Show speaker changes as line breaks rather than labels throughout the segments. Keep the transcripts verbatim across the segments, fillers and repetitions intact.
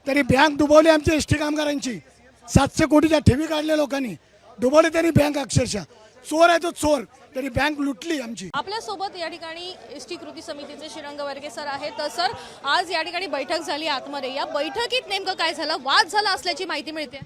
तरी बँक डुबवली आमची S T कामगारांची. सातशे कोटीच्या ठेवी काढल्या लोकांनी, डुबवली तरी बँक. अक्षरशः चोर आहे तो चोर, तरी बँक लुटली आमची.
आपल्या सोबत या ठिकाणी एस टी कृती समितीचे श्रीरंग वर्गे सर आहेत. तर सर, आज या ठिकाणी बैठक झाली आतमध्ये. या बैठकीत नेमकं काय झालं? वाद झाला असल्याची माहिती मिळते.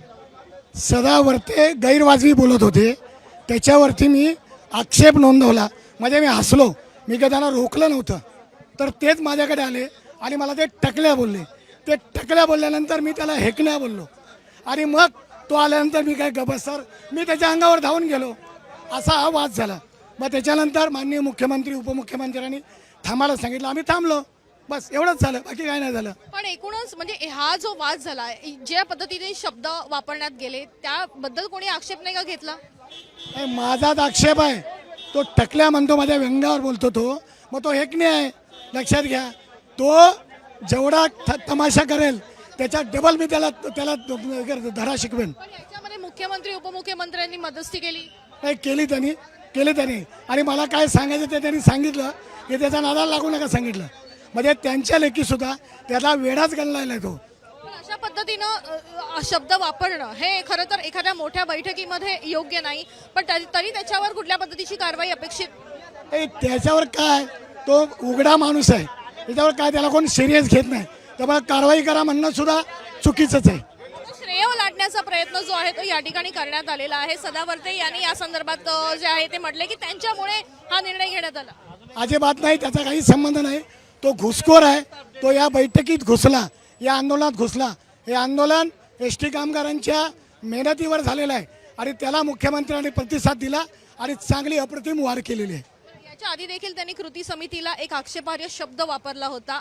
सदा वर्ते गैरवाजवी बोलत होते, त्याच्यावरती मी आक्षेप नोंदवला. म्हणजे मी हसलो, मी काय त्यांना रोखलं नव्हतं. तर तेच माझ्याकडे आले आणि मला ते टकल्या बोलले. ते टकल्या बोलल्यानंतर मी त्याला हेकण्या बोललो आणि मग तो आल्यानंतर मी काय गबसर मी त्याच्या अंगावर धावून गेलो. असा हा वाद झाला. मग त्याच्यानंतर माननीय मुख्यमंत्री उपमुख्यमंत्र्यांनी थांबायला सांगितलं, आम्ही थांबलो. बस एवढंच झालं, बाकी काय नाही झालं.
पण एकूणच म्हणजे हा जो वाद झाला, ज्या पद्धतीने शब्द वापरण्यात गेले त्याबद्दल कोणी आक्षेप नाही का घेतला?
नाही, माझाच आक्षेप आहे. तो टकल्या म्हणतो, माझ्या व्यंगावर बोलतो तो, मग तो हेकणे आहे. लक्षात घ्या, तो जेवढा थ- तमाशा करेल त्याच्या डबल मी त्याला त्याला धडा शिकवेन.
पण याच्यामध्ये मुख्यमंत्री उपमुख्यमंत्र्यांनी मध्यस्थी केली.
नाही केली त्यांनी केली त्यांनी आणि मला काय सांगायचं ते त्यांनी सांगितलं की त्याचा नादाला लागू नका सांगितलं. म्हणजे त्यांच्या लेखीसुद्धा त्याला वेडाच गणलाय तो.
पण अशा पद्धतीनं अ, शब्द वापरणं हे खरं तर एखाद्या मोठ्या बैठकीमध्ये योग्य नाही. पण तरी तरी त्याच्यावर कुठल्या पद्धतीची कारवाई अपेक्षित?
ए, त्याच्यावर काय, तो उघडा माणूस आहे, त्याच्यावर काय त्याला कोण सिरियस घेत नाही. त्यामुळे कारवाई करा म्हणणं सुद्धा चुकीचंच आहे.
श्रेय लाटण्याचा प्रयत्न जो आहे तो या ठिकाणी करण्यात आलेला आहे. सदावर्ते यांनी या संदर्भात अ, जे आहे ते म्हटले की त्यांच्यामुळे हा निर्णय घेण्यात आला.
अजिबात नाही, त्याचा काही संबंध नाही. तो घुसखोर आहे. तो या बैठकीत घुसला, या आंदोलनात घुसला. हे आंदोलन एस टी कामगारांच्या मेहनतीवर झालेलं आहे आणि त्याला मुख्यमंत्र्यांनी प्रतिसाद दिला आणि चांगली अप्रतिम वार केलेली आहे.
याच्या आधी देखील त्यांनी कृती समितीला एक आक्षेपार्ह शब्द वापरला होता.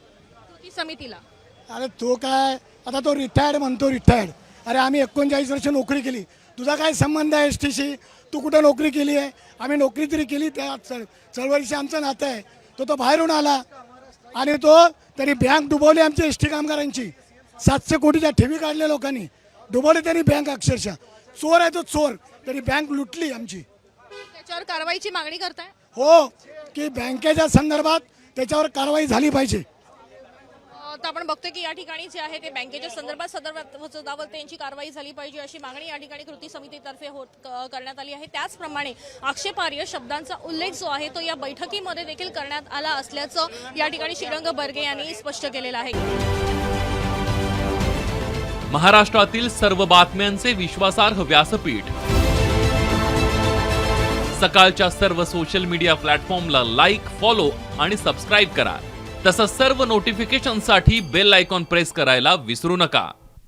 कृती समितीला
अरे तो काय, आता तो रिटायर्ड म्हणतो रिटायर्ड. अरे आम्ही एकोणचाळीस वर्ष नोकरी केली, तुझा काय संबंध आहे एस टीशी? तू कुठं नोकरी केली आहे? आम्ही नोकरी तरी केली, त्या चळ चळवळीशी आमचं नातं आहे. तो तो बाहेरून आला आणि तो तरी बँक डुबवली आमची एस टी कामगारांची. सातशे कोटीच्या ठेवी काढल्या लोकांनी, डुबवली तरी बँक. अक्षरशः चोर आहे तो चोर, तरी बँक लुटली आमची.
त्याच्यावर कारवाईची मागणी करताय?
हो, की बँकेच्या संदर्भात त्याच्यावर कारवाई झाली पाहिजे.
अ, तर आपण बघतोय की या ठिकाणी जे आहे ते बँकेच्या संदर्भात सदावर्ते यांची कारवाई झाली पाहिजे अशी मागणी या ठिकाणी कृती समितीतर्फे होत क- करण्यात आली आहे. त्याचप्रमाणे आक्षेपार्ह शब्दांचा उल्लेख जो आहे तो या बैठकीमध्ये देखील करण्यात आला असल्याचं या ठिकाणी श्रीरंग बर्गे यांनी स्पष्ट केलेलं आहे.
महाराष्ट्रातील सर्व बातम्यांचे विश्वासार्ह व्यासपीठ, सकाळच्या सर्व सोशल मीडिया प्लॅटफॉर्मला लाईक, फॉलो आणि सबस्क्राईब करा. तसंच सर्व नोटिफिकेशनसाठी बेल आयकॉन प्रेस करायला विसरू नका.